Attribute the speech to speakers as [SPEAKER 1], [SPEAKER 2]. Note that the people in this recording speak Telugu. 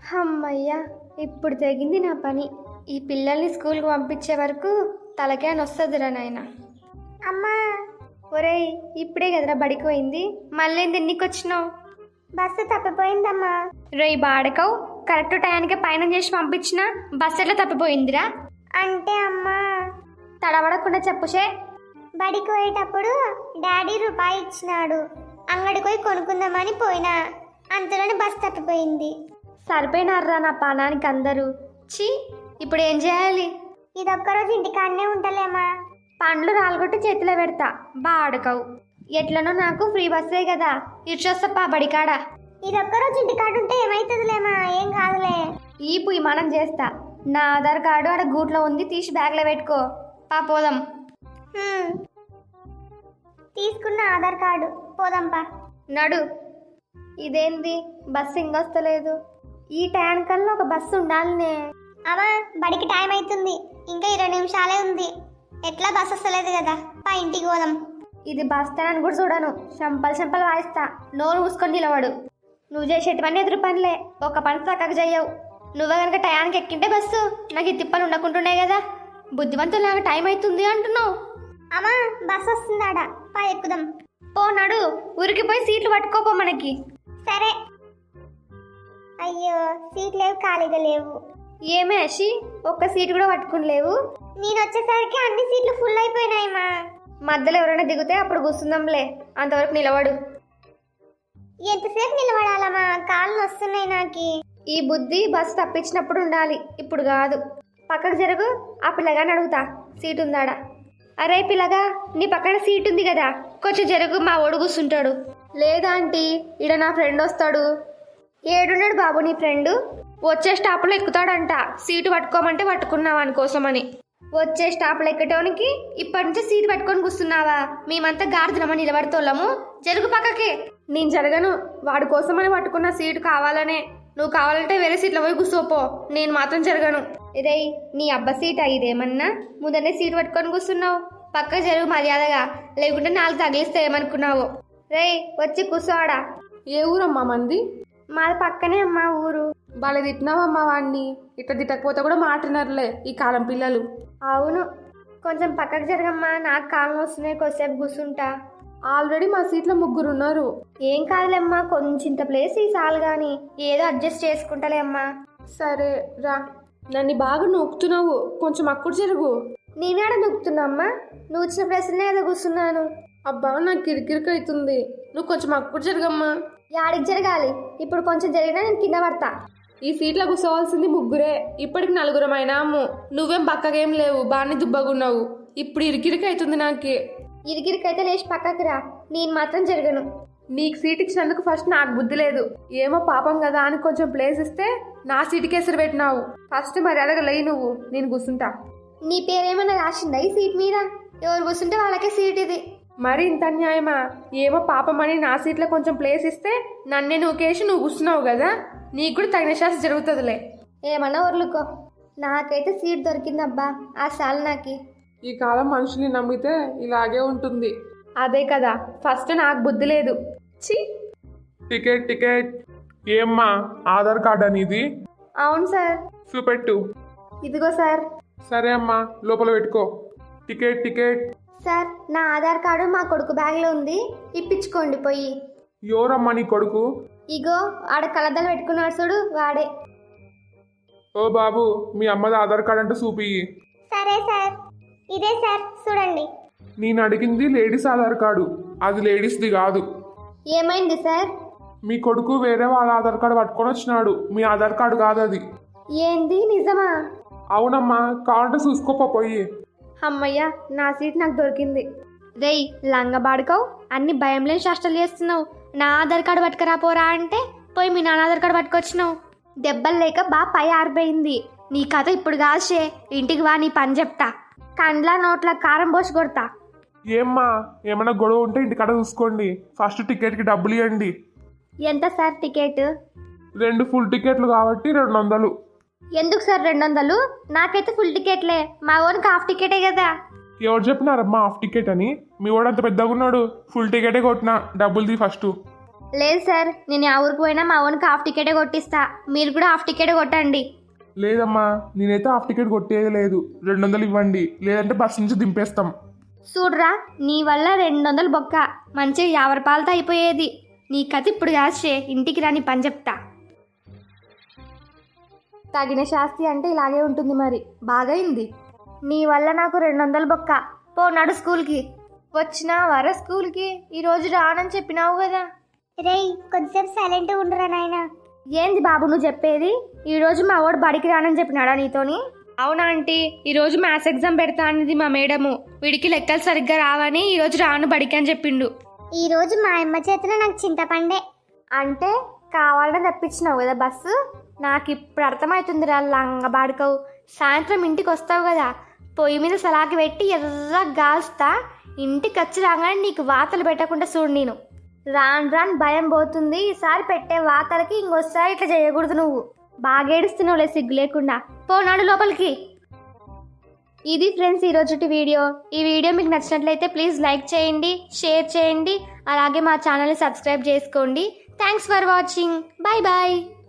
[SPEAKER 1] అమ్మయ్యా, ఇప్పుడు తెగింది నా పని. ఈ పిల్లల్ని స్కూల్కి పంపించే వరకు తలకే నొస్తుందిరా నాయన.
[SPEAKER 2] అమ్మా,
[SPEAKER 1] ఒరేయ్, ఇప్పుడే కదరా బడికి పోయింది, మళ్ళీ ఎన్నికి వచ్చినావు?
[SPEAKER 2] బస్సు తప్పిపోయిందమ్మా.
[SPEAKER 1] రేయ్ బాడకవు, కరెక్ట్ టయానికి పైన చేసి పంపించిన బస్సు ఎట్లా తప్పిపోయిందిరా?
[SPEAKER 2] అంటే అమ్మా,
[SPEAKER 1] తడబడకుండా చెప్పుషే.
[SPEAKER 2] బడికి పోయేటప్పుడు డాడీ రూపాయి ఇచ్చినాడు, అంగడికి పోయి కొనుక్కుందామని పోయినా, అంతలోనే బస్సు తప్పిపోయింది.
[SPEAKER 1] సరిపోయినారా నా పానానికి అందరూ. ఛీ, ఇప్పుడు ఏం చేయాలి?
[SPEAKER 2] ఇదొక్కరోజు ఇంటికాడనే ఉంటలేమా.
[SPEAKER 1] పండ్లు రాలగొట్టి చేతిలో పెడతా, బాడకవు. ఎట్లనో నాకు ఫ్రీ బస్సే కదా, ఇచ్చొస్తప్పా బడికాడ.
[SPEAKER 2] ఇదొక్కరోజు ఇంటికాడ ఉంటే ఏమైతుందిలేమా, ఏం కాదులే.
[SPEAKER 1] ఈ పుయ్యి మనం చేస్తా. నా ఆధార్ కార్డు ఆడ గూట్లో ఉంది, తీసి బ్యాగ్లో పెట్టుకో. పోదాం.
[SPEAKER 2] తీసుకున్న ఆధార్ కార్డు, పోదాంపా.
[SPEAKER 1] నడు. ఇదేంది బస్సు ఇంకొస్తలేదు? ఈ టయానికల్లా ఒక బస్సు ఉండాలనే.
[SPEAKER 2] అమ్మా, బడికి టైం అవుతుంది, ఇంకా 20 నిమిషాలే ఉంది. ఎట్లా బస్సు వస్తలేదు కదా, పా ఇంటికి పోదాం.
[SPEAKER 1] ఇది బస్ స్టాండ్ అని కూడా చూడను, చంపలు వాయిస్తా. నోరు మూసుకొని నిలబడు. నువ్వు చేసేటివన్నీ ఎదురు పనిలే, ఒక పని చక్కగా చెయ్యవు. నువ్వే కనుక టయానికి ఎక్కింటే బస్సు నాకు ఈ తిప్పలు ఉండకుంటుండే కదా. బుద్ధిమంతులాగా టైం అవుతుంది అంటున్నావు.
[SPEAKER 2] అమ్మా, బస్సు వస్తుందాడా, పా ఎక్కుదాం.
[SPEAKER 1] పో నడు, ఉరికిపోయి సీట్లు పట్టుకోపో మనకి.
[SPEAKER 2] సరే. అయ్యో, సీట్ లేవు, ఖాళీగా లేవు.
[SPEAKER 1] ఏమే అషి, ఒక్క సీటు కూడా పట్టుకుని లేవు?
[SPEAKER 2] నేను వచ్చేసరికి అన్ని సీట్లు ఫుల్ అయిపోయినాయమ్మా.
[SPEAKER 1] మధ్యలో ఎవరైనా దిగితే అప్పుడు కూర్చుందాంలే, అంతవరకు నిలబడు.
[SPEAKER 2] ఎంతసేపు నిలబడాలమ్మా, కాళ్ళు వస్తున్నాయి నాకి.
[SPEAKER 1] ఈ బుద్ధి బస్సు తప్పించినప్పుడు ఉండాలి, ఇప్పుడు కాదు. పక్కకు జరుగు, ఆ పిల్లగాని అడుగుతా సీటు ఉందాడా. అరే పిల్లగా, నీ పక్కన సీట్ ఉంది కదా, కొంచెం జరుగు, మా ఓడు కూర్చుంటాడు. లేదా ఆంటీ, ఈడ నా ఫ్రెండ్ వస్తాడు. ఏడున్నాడు బాబు నీ ఫ్రెండు? వచ్చే స్టాప్లో ఎక్కుతాడంట, సీటు పట్టుకోమంటే పట్టుకున్నావా అనుకోసమని. వచ్చే స్టాప్లో ఎక్కటానికి ఇప్పటి నుంచి సీటు పట్టుకొని కూర్చున్నావా? మేమంతా గార్దునమని నిలబడుతోళ్ళము, జరుగు పక్కకి. నేను జరగను, వాడి కోసమని పట్టుకున్న సీటు కావాలనే. నువ్వు కావాలంటే వేరే సీట్లో పోయి కూర్చోపో, నేను మాత్రం జరగను. రేయ్, నీ అబ్బ సీట్ ఇదేమన్నా? ముందనే సీటు పట్టుకొని కూర్చున్నావు, పక్క జరుగు మర్యాదగా, లేకుంటే నాలుగు తగిలిస్తే ఏమనుకున్నావు? రేయ్, వచ్చి కూర్చోవాడా.
[SPEAKER 3] ఏ ఊరమ్మా మంది?
[SPEAKER 1] మాది పక్కనే అమ్మా ఊరు.
[SPEAKER 3] బాగా తిట్టినావమ్మా వాడిని, ఇట్లా తిట్టకపోతే కూడా మాటినర్లే ఈ కాలం పిల్లలు.
[SPEAKER 1] అవును, కొంచెం పక్కకు జరగమ్మా, నాకు కాలం వస్తున్నాయి, కొద్దిసేపు కూర్చుంటా.
[SPEAKER 3] ఆల్రెడీ మా సీట్లో 3 ఉన్నారు.
[SPEAKER 1] ఏం కాదులేమ్మా, కొంచెంత ప్లేస్ ఈ సాల్ గాని, ఏదో అడ్జస్ట్ చేసుకుంటాలే అమ్మా.
[SPEAKER 3] సరే రా. నన్ను బాగా నొక్కుతున్నావు, కొంచెం అక్కుడు జరుగు.
[SPEAKER 1] నేనాడ నొక్కుతున్నా అమ్మా, నువ్వు ఇచ్చిన ప్లేస్లోనే ఏదో కూర్చున్నాను.
[SPEAKER 3] అబ్బా, నాకు కిరికిరికి అవుతుంది, నువ్వు కొంచెం అక్కుడు జరగమ్మా.
[SPEAKER 1] యాడికి జరగాలి? ఇప్పుడు కొంచెం జరిగినా నేను కింద పడతా.
[SPEAKER 3] ఈ సీట్లో కూర్చోవాల్సింది 3, ఇప్పటికి 4 అయినాము. నువ్వేం పక్కకేం లేవు, బాగానే దుబ్బగున్నావు. ఇప్పుడు ఇరికిరికి అవుతుంది నాకు.
[SPEAKER 1] ఇరికిరికైతే లేచి పక్కకి రా, నేను మాత్రం జరగను.
[SPEAKER 3] నీకు సీట్ ఇచ్చినందుకు ఫస్ట్ నాకు బుద్ధి లేదు, ఏమో పాపం కదా అని కొంచెం ప్లేస్ ఇస్తే నా సీటుకి ఎసురు పెట్టినావు. ఫస్ట్ మర్యాదగా లేయి నువ్వు, నేను కూర్చుంటా.
[SPEAKER 1] నీ పేరేమన్నా రాసిందా ఈ సీట్ మీద? ఎవరు కూర్చుంటే వాళ్ళకే సీట్ ఇది.
[SPEAKER 3] మరి ఇంత అన్యాయమా? ఏమో పాపం అని నా సీట్లో కొంచెం ప్లేస్ ఇస్తే నన్నే నూకేసి నువ్వు కూర్చున్నావు కదా, నీకు కూడా తగిన శాస్త్రం జరుగుతుందిలే.
[SPEAKER 1] ఏమన్నా ఊర్లుకో, నాకైతే సీట్ దొరికిందబ్బా, ఆ సాల్ నాకి.
[SPEAKER 3] ఈ కాలం మనుషుల్ని నమ్మితే ఇలాగే ఉంటుంది. అదే కదా, ఫస్ట్ నాకు బుద్ధి లేదు. ఛీ.
[SPEAKER 4] టికెట్ ఏమ్మా, ఆధార్ కార్డ్ అనేది?
[SPEAKER 1] అవును సార్.
[SPEAKER 4] చూపెట్టు.
[SPEAKER 1] ఇదిగో సార్.
[SPEAKER 4] సరే అమ్మా, లోపల పెట్టుకో. టికెట్
[SPEAKER 1] సార్, నా ఆధార్ కార్డు మా కొడుకు బ్యాగ్లో ఉంది, ఇప్పించుకోండి పోయి.
[SPEAKER 4] ఎవరమ్మా నీ కొడుకు?
[SPEAKER 1] ఇగో ఆడ కలద్దలు పెట్టుకున్నాడు చూడు, వాడే.
[SPEAKER 4] ఓ బాబు, మీ అమ్మది ఆధార్ కార్డ్ అంటే చూపి.
[SPEAKER 2] సరే సార్, ఇదే సార్, చూడండి.
[SPEAKER 4] నేను అడిగింది లేడీస్ ఆధార్ కార్డు, అది లేడీస్ది కాదు.
[SPEAKER 1] ఏమైంది సార్?
[SPEAKER 4] మీ కొడుకు వేరే వాళ్ళ ఆధార్ కార్డు పట్టుకొని వచ్చినాడు, మీ ఆధార్ కార్డు కాదు అది.
[SPEAKER 1] ఏంది, నిజమా?
[SPEAKER 4] అవునమ్మా, కావాలంటే చూసుకోపో పోయి.
[SPEAKER 1] అమ్మయ్యా, నా సీట్ నాకు దొరికింది. రేయ్ లంగబాడుకోవు, అన్ని భయం లేని శాస్త్రాలు చేస్తున్నావు. నా ఆధార్ కార్డు పట్టుకురాపోరా అంటే పోయి మీ నాన్న ఆధార్ కార్డు పట్టుకొచ్చినావు. దెబ్బలు లేక బాగా పై ఆరిపోయింది. నీ కథ ఇప్పుడు కాల్చే, ఇంటికి వా, నీ పని చెప్తా. కండ్ల నోట్ల కారం పోసి కొడతా.
[SPEAKER 4] ఏమ్మా, ఏమైనా గొడవ ఉంటే ఇంటికాడ చూసుకోండి. ఫస్ట్ టికెట్కి డబ్బులు ఇవ్వండి.
[SPEAKER 1] ఎంత సార్ టికెట్?
[SPEAKER 4] 2 ఫుల్ టికెట్లు కాబట్టి 200.
[SPEAKER 1] ఎందుకు సార్ 200? నాకైతే ఫుల్ టికెట్లే, మా ఓన్కి హాఫ్ టికెటే కదా.
[SPEAKER 4] ఎవరు చెప్పినారమ్మా హాఫ్ టికెట్ అని? మీ వాడు అంత పెద్దగా ఉన్నాడు, ఫుల్ టికెటే కొట్టినా. డబ్బులు తీ ఫస్ట్.
[SPEAKER 1] లేదు సార్, నేను ఆ ఊరికి పోయినా మా ఓన్కి హాఫ్ టికెటే కొట్టిస్తా, మీరు కూడా హాఫ్ టికెటే కొట్టండి.
[SPEAKER 4] లేదమ్మా, నేనైతే హాఫ్ టికెట్ కొట్టేది లేదు. 200 ఇవ్వండి, లేదంటే బస్ నుంచి దింపేస్తాం.
[SPEAKER 1] చూడరా, నీ వల్ల 200 బొక్క, మంచిగా 50 రూపాయలతో అయిపోయేది. నీ కథ ఇప్పుడు కాసే, ఇంటికి రాని పని చెప్తా. తగిన శాస్తి అంటే ఇలాగే ఉంటుంది మరి. బాగైంది, నీ వల్ల నాకు 200 బొక్క. పోనాడు స్కూల్కి. వచ్చినా వర స్కూల్కి, ఈరోజు రానని చెప్పినావు కదా.
[SPEAKER 2] రేయ్ కొద్దిసేపు సైలెంట్ ఉండరా నాయనా.
[SPEAKER 1] ఏంది బాబు నువ్వు చెప్పేది? ఈరోజు మా వాడు బడికి రానని చెప్పినాడా నీతోని? అవునా ఆంటీ, ఈరోజు మ్యాథ్స్ ఎగ్జామ్ పెడతా అన్నది మా మేడము. వీడికి లెక్కలు సరిగ్గా రావని ఈరోజు రాను బడికి అని చెప్పిండు.
[SPEAKER 2] ఈ రోజు మా అమ్మ చేతిలో నాకు చింతపండే.
[SPEAKER 1] అంటే కావాలని తెప్పించినావు కదా బస్సు? నాకు ఇప్పుడు అర్థమవుతుంది రా లంగ బాడుకవు. సాయంత్రం ఇంటికి వస్తావు కదా, పొయ్యి మీద సలాకి పెట్టి ఎర్ర గాల్స్తా, ఇంటికి వచ్చి రాగానే నీకు వాతలు పెట్టకుండా చూడు. నేను రాను రాను భయం పోతుంది. ఈసారి పెట్టే వాతలకి ఇంకోసారి ఇట్లా చేయకూడదు. నువ్వు బాగా ఏడుస్తున్నావులే సిగ్గు లేకుండా. పోనాడు లోపలికి. ఇది ఫ్రెండ్స్ ఈరోజుటి వీడియో. ఈ వీడియో మీకు నచ్చినట్లయితే ప్లీజ్ లైక్ చేయండి, షేర్ చేయండి, అలాగే మా ఛానల్ని సబ్స్క్రైబ్ చేసుకోండి. Thanks for watching. Bye bye.